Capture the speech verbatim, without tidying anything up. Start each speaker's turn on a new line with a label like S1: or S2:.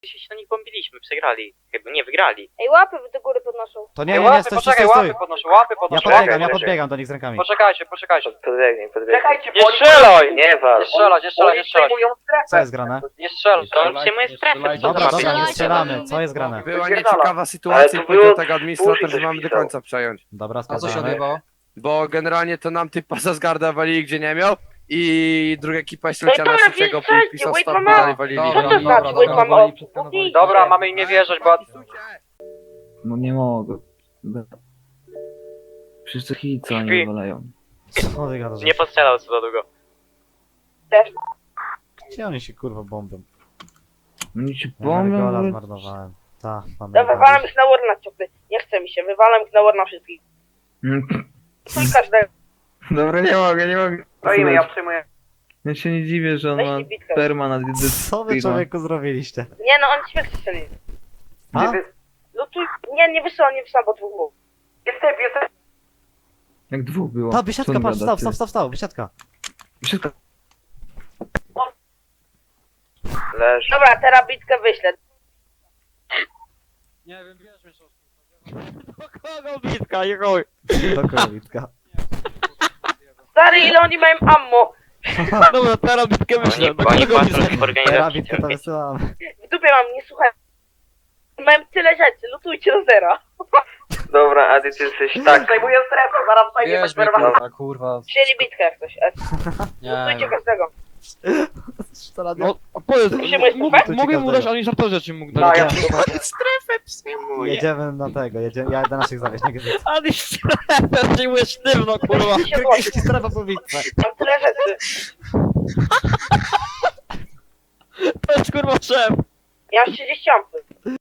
S1: się na nich bombiliśmy, przegrali. Chyba nie wygrali.
S2: Ej, łapy do góry podnoszą.
S3: To nie,
S4: Ej,
S3: nie, nie,
S4: łapy,
S3: stój, stój,
S4: poczekaj,
S3: stój,
S4: łapy
S3: stój.
S4: podnoszę, łapy
S3: Ja
S4: podnoszę.
S3: podbiegam, ja
S4: łapy.
S3: podbiegam do nich z rękami.
S4: Poczekajcie, poczekajcie.
S5: Podbiegnij, podbiegnij.
S4: Czekajcie,
S1: Nie
S4: bo oni-
S1: strzelaj!
S5: Nie wal.
S4: Nie strzelać, nie strzelać, nie strzelać.
S2: Tak.
S3: Co jest grane?
S4: Nie strzelać.
S1: To on przyjmuje strefę. co
S3: Dobra,
S1: to
S3: dobra, nie
S1: robi?
S3: strzelamy. Co jest grane?
S6: Była
S4: Wypierdala.
S6: nieciekawa sytuacja
S5: Ale
S6: i
S5: to było-
S6: powiedział tego administrator,
S5: Burzy
S6: że
S5: coś
S6: mamy do
S5: pisał.
S6: końca przejąć.
S3: Dobra,
S7: A co się
S3: sprawdzamy.
S7: odbywało?
S6: Bo generalnie to nam typa za zgarda walili gdzie nie miał i druga ekipa jeszcze
S2: No i
S6: leciała na
S2: dobra,
S6: trzeciego,
S2: więc
S6: pisał
S2: wait,
S6: stop,
S2: mama.
S6: dalej walili.
S2: Co to
S7: Dobra,
S2: znaczy,
S7: dobra,
S2: wait,
S7: dobra,
S2: mama?
S7: woli przeskanować.
S4: Dobra, mamy im nie wierzyć, bo...
S8: No nie mogę. Przecież to hit, co oni
S1: Śpi.
S8: wywalają.
S3: Co ty gadasz?
S1: Nie postrzelał co za długo.
S3: Gdzie oni się kurwa bombią?
S8: Oni ci
S3: Ja gola
S8: bombią.
S3: zmarnowałem. Tak, mamy.
S2: Dobra, wywalam ich na warna ciopy. Nie chce mi się, wywalam ich na warna wszystkich. Stój każdego.
S8: Dobra, nie mogę, nie mogę.
S4: Stoimy, ja przyjmuję.
S8: Ja się nie dziwię, że on
S2: Weź
S8: ma
S2: mi bitkę.
S8: perma na
S3: Co wy człowieku zrobiliście?
S2: Nie no, on śmierć strzeli.
S3: A?
S2: No tu, nie, nie wysyłam, nie wysyłam, bo dwóch było.
S4: Jest typ, jest typ.
S8: Jak dwóch było.
S3: Ta, wysiadka,
S8: Co on
S3: patrz,
S8: gada,
S3: stał, stał,
S8: ty?
S3: stał, stał, wysiadka.
S8: Wysiadka.
S5: Leż.
S2: Dobra, teraz bitkę wyślę.
S7: Nie wiem, wiesz mnie,
S1: Kogo bitka, i chuj.
S3: Do kowitka.
S2: Stary, ile oni mają ammo?
S1: Dobra, teraz bitkę myślę. Oni, oni patrzą w
S3: Teraz
S1: organizacji.
S3: bitkę to wysyłam.
S2: W dupie mam, nie słuchaj. Mają tyle rzeczy, lutujcie do zera.
S5: Dobra, Adi, ty jesteś tak.
S4: Zajmuję strefę, zaraz zajmie
S7: wiesz
S4: bez
S7: mnie,
S4: perwa.
S7: kurwa, kurwa.
S2: Wzięli bitkę jak coś. E,
S7: Nie
S2: Lutujcie
S7: wiem.
S2: każdego.
S3: No,
S9: A powiedz,
S2: Musimy
S9: mógł-
S3: słuchać.
S9: mogę mu dać, ani żartować rzeczy mógł
S4: No,
S9: dać.
S4: ja
S1: Strefę przyjmuje.
S3: jedziemy na tego, jedziemy, ja do naszych zawieźć, nie gdzieś.
S1: Ale strefę przyjmuje sztywno, kurwa.
S2: Weźcie się włączyć.
S3: strefa po bitwę.
S2: Mam tyle rzeczy.
S1: To jest kurwa szef.
S2: Ja mam trzydzieści ampy.